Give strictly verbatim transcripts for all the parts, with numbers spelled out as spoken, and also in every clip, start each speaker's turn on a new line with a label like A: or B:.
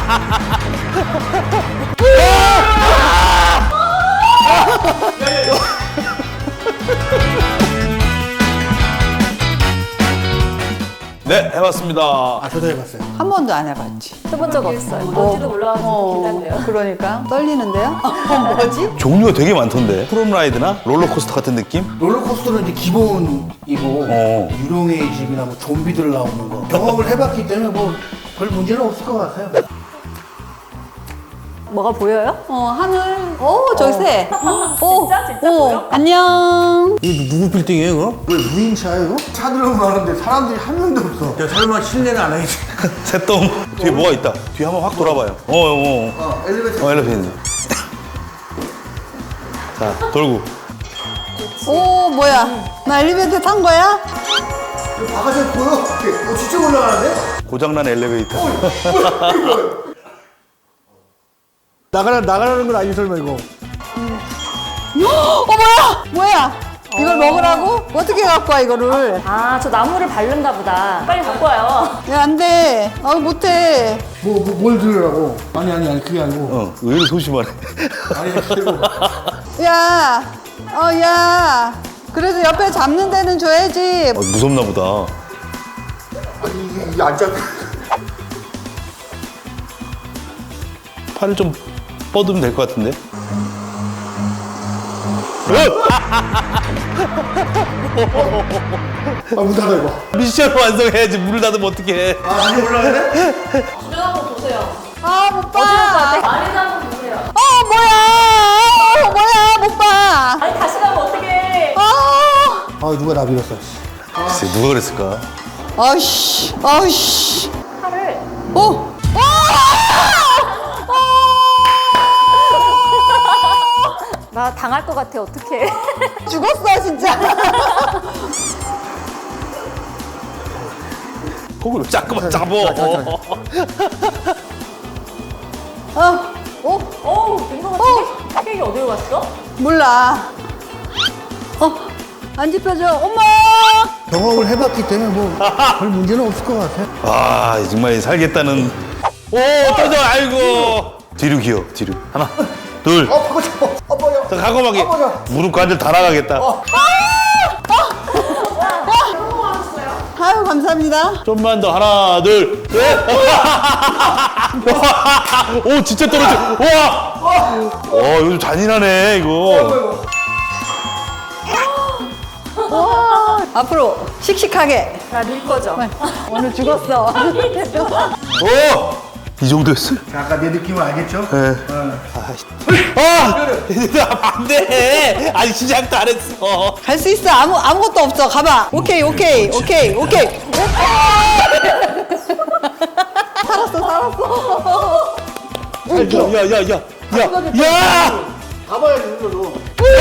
A: 네, 해봤습니다.
B: 아, 저도 해봤어요.
C: 한 번도 안 해봤지.
D: 해본 적 없어요. 뭔지도 몰라가지고 긴장돼요.
C: 그러니까 떨리는데요? 어, 뭐지?
A: 종류가 되게 많던데. 프롬라이드나 롤러코스터 같은 느낌?
B: 롤러코스터는 이제 기본이고
A: 어.
B: 유령의 집이나 뭐 좀비들 나오는 거 경험을 해봤기 때문에 뭐 별 문제는 없을 것 같아요.
D: 뭐가 보여요?
C: 어, 하늘. 오, 저기 새. 오,
D: 진짜? 진짜
C: 오,
D: 보여?
C: 안녕.
B: 이거 누구 빌딩이에요, 이거? 왜 무인차예요, 이거? 차들은 많은데 사람들이 한 명도 없어. 야, 설마 실내는 안 하겠지?
A: 새똥. 뒤에 뭐가 있다. 뒤에 한번 확 돌아봐요. 어, 어, 어.
B: 어, 엘리베이터.
A: 어, 엘리베이터. 자, 돌고.
C: 오, 뭐야? 나 엘리베이터 탄 거야?
B: 바가지 보여? 어, 진짜 올라가는데?
A: 고장난 엘리베이터.
B: 나가라, 나가라는 건 아니, 설마 이거.
C: 어, 뭐야? 뭐야? 이걸 먹으라고? 어떻게 갖고 와, 이거를?
D: 아, 저 나무를 바른가 보다. 빨리 갖고 와요.
C: 야, 안 돼. 아, 못해.
B: 뭐, 뭐, 뭘 들으라고? 아니, 아니, 아니, 그게 아니고.
A: 어, 의외로 소심하네.
B: 아니, 그리고.
C: 야, 어, 야. 그래도 옆에 잡는 데는 줘야지.
A: 어, 무섭나 보다.
B: 아니, 이게, 이게 안 잡혀.
A: 팔을 좀 뻗으면 될 것 같은데?
B: 아, 문 닫아, 이거.
A: 미션 완성해야지. 문을 닫으면 어떡해.
B: 아, 이게 올라가네?
D: 주변 한번 보세요.
C: 아, 못 봐.
D: 아래도 한번 보세요.
C: 어, 뭐야? 어, 뭐야? 못 봐.
D: 아니, 다시 가면 어떡해.
C: 어.
B: 아, 누가 나 밀었어, 씨.
A: 글쎄, 누가 그랬을까?
C: 아이씨, 아이씨.
D: 팔을.
C: 어?
D: 나 당할 것 같아, 어떡해.
C: 죽었어, 진짜.
A: 거기로 자꾸만 잡어.
C: 어, 어,
D: 어우, 된것 같은데? 케이크 어디로 갔어?
C: 몰라. 어, 안 짚혀져. 엄마!
B: 경험을 해봤기 때문에 뭐 별 문제는 없을 것 같아요.
A: 아, 정말 살겠다는. 오, 떨어져. 아이고. 뒤로 기어, 뒤로. 하나, 둘.
B: 어, 바가지, 어, 어, 뭐야.
A: 자, 가고막이.
B: 어, 맞아.
A: 무릎 관절 다 나가겠다.
C: 아유, 감사합니다.
A: 좀만 더. 하나, 둘, 셋. 오, 진짜 떨어져. 와. 어, 요즘 잔인하네, 이거.
C: 와, 앞으로 씩씩하게.
D: 나 밀 거죠?
C: 오늘 죽었어.
A: 오! 이 정도였어요?
B: 아까 내 느낌을 알겠죠?
A: 네. 아! 안 돼! 아니, 시작도 안 했어.
C: 갈 수 있어. 아무, 아무것도 없어. 가봐. 오케이, 오케이, 오케이, 오케이. 살았어, 살았어.
A: 야, 야, 야, 야, 야!
B: 가봐야지, 흘러도.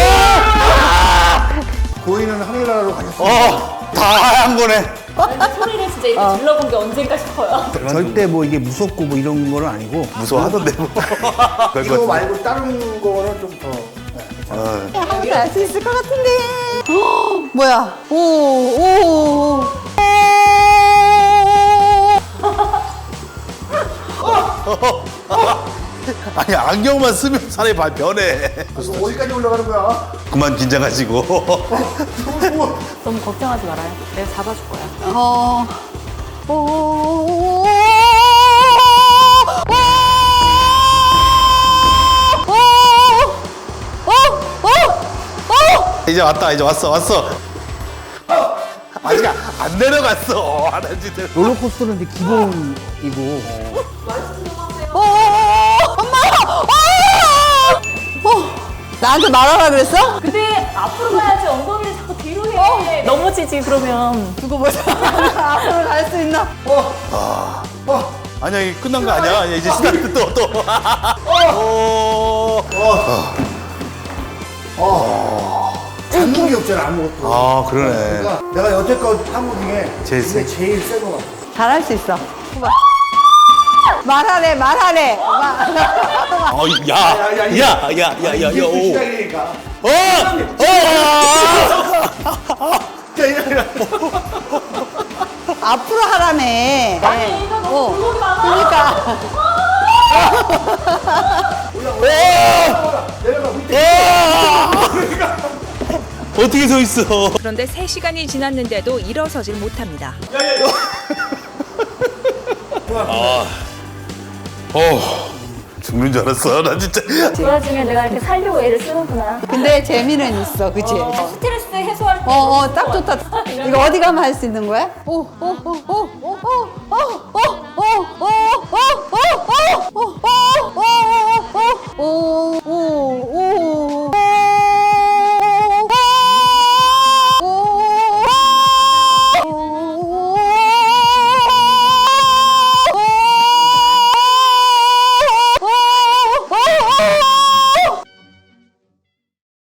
B: 고인은 하늘나라로 가셨어.
A: 어, 다 하얀 거네.
D: 소리를 진짜 이렇게 질러본 게 언젠가 싶어요.
B: 절대 뭐 이게 무섭고 뭐 이런 거는 아니고.
A: 무서워하던데, 뭐. 그럴
B: 이거
A: 것 같아.
B: 말고 다른 거는 좀 더.
C: 하나도 알 수 있을 것 같은데. 헉, 뭐야? 오, 오, 오.
A: 아니, 안경만 쓰면 사람이 발 변해.
B: 이거 어디까지 올라가는 거야?
A: 그만 긴장하시고.
D: 너무 걱정하지 말아요. 내가 잡아줄 거야.
C: 어. 오, 오, 오,
A: 이제 왔다, 이제 왔어, 왔어. 아직 안 내려갔어. 하나지 대
B: 롤러코스터는 이제 기본이고.
C: 오, 엄마! 어! 나한테 말하라 그랬어?
D: 근데 앞으로 가야지 엉덩이를 자꾸 뒤로 해. 넘어지지, 그러면.
C: 두고 보자. 앞으로 갈 수 있나?
A: 아니야, 이게 끝난 거 아니야. 아니야, 이제 스타트 또, 또. 오.
B: 잡는 게 없잖아, 아무것도.
A: 아, 그러네.
B: 그러니까 내가 여태껏 한 거 중에
A: 제일
B: 이게
A: 세.
B: 제일 센거 같아.
C: 잘할 수 있어. 말하래, 말하래.
A: 어, 야, 야, 야, 야, 야, 야, 야,
B: 이게 또
A: 오.
B: 시작이니까.
A: 어! 어!
C: 앞으로 하라며.
D: 아니, 이거 너무
C: 어.
D: 굴곡이 많아.
C: 그러니까.
A: 어떻게 서 있어?
E: 그런데 세 시간이 지났는데도 일어서질 못합니다.
A: 어, 죽는 줄 알았어. 나 진짜.
D: 그 와중에 내가 이렇게 살려고 애를 쓰는구나.
C: 근데 재미는 있어, 그치?
D: 스트레스 해소할 때.
C: 어, 어, 딱 좋다. 이거 어디 가면 할 수 있는 거야? 오, 오, 오, 오, 오, 오, 오, 오, 오, 오, 오, 오, 오, 오, 오, 오, 오, 오, 오,